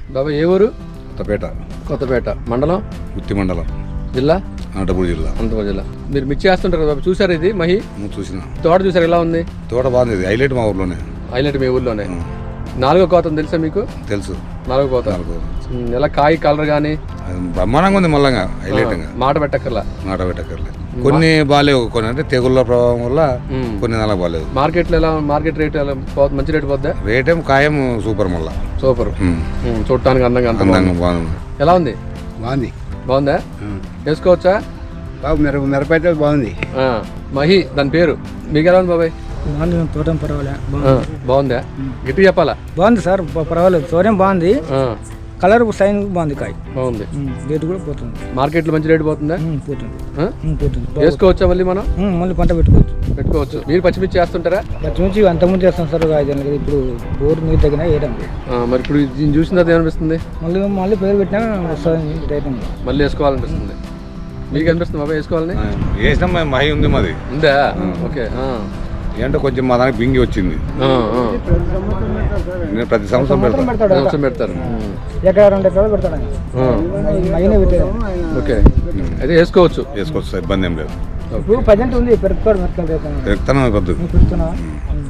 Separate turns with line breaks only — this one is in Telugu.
బాబా ఏ ఊరు?
కొత్తపేట
మండలం
గుత్తి మండలం
జిల్లా
అనంతపురం జిల్లా.
అనంతపురం జిల్లా. మీరు మిర్చి వేస్తుంటారు కదా బాబు, చూసారు ఇది మహి
చూసిన
తోట చూసారు ఎలా ఉంది?
తోట బాగుంది, ఇది హైలైట్ మా ఊర్లోనే.
హైలైట్ మీ ఊర్లోనే. 4వ కోత తెలుసా మీకు?
తెలుసు.
4వ కోత ఎలా కాయ కలర్ కానీ
బ్రహ్మాండంగా ఉంది, మళ్ళంగా హైలైట్గా
మాట పెట్టక్కర్లా.
కొన్ని బాగాలేవు, కొన్ని అంటే తెగుళ్ళ ప్రభావం వల్ల కొన్ని నెలలు బాగాలేదు.
మార్కెట్లో ఎలా మార్కెట్ రేట్ ఎలా మంచి రేటు పోద్దా?
రేట్ ఏం ఖాయం సూపర్, మళ్ళా
సూపర్. చూడటానికి అందంగా
బాగుంది.
ఎలా ఉంది? బాగుందా? వేసుకోవచ్చా
బాబు? మిరపైతే బాగుంది.
మహి దాని పేరు. మీకు ఎలా ఉంది బాబాయ్?
తోటం పర్వాలేదు,
బాగుందా? గట్టి చెప్పాలా?
బాగుంది సార్, పర్వాలేదు. తోటం బాగుంది, కలర్ సైన్ బాగుంది, కాయ
బాగుంది,
రేటు కూడా పోతుంది.
మార్కెట్లో మంచి రేటు పోతుందా?
పోతుంది.
వేసుకోవచ్చా మళ్ళీ మనం?
మళ్ళీ పంట
పెట్టుకోవచ్చు. మీరు పచ్చిమిర్చి చేస్తుంటారా?
పచ్చిమిర్చి అంతకుముందు చేస్తాం సార్, 5 ఏళ్ళు. ఇప్పుడు బోర్ నీరు తగిన వేయడం.
మరి ఇప్పుడు దీన్ని చూసిన తర్వాత ఏమనిపిస్తుంది?
మళ్ళీ పేరు పెట్టినా వస్తుంది,
మళ్ళీ వేసుకోవాలనిపిస్తుంది. మీకు అనిపిస్తుంది బాబాయ్ వేసుకోవాలని?
వేసినాం, మహి ఉంది మాది.
ఉందా? ఓకే.
ఏంటో కొంచెం మా దానికి బింగి వచ్చింది. నేను ప్రతి సంవత్సరం
పెడతారు.
ఎక్కడ 2 ఎకరాలు పెడతాడు.
ఓకే, అయితే వేసుకోవచ్చు.
ఇబ్బంది ఏం లేదు.
ఇప్పుడు ప్రజెంట్ ఉంది పెరుగుతాడు.
పెరుగుతాను కొద్ది.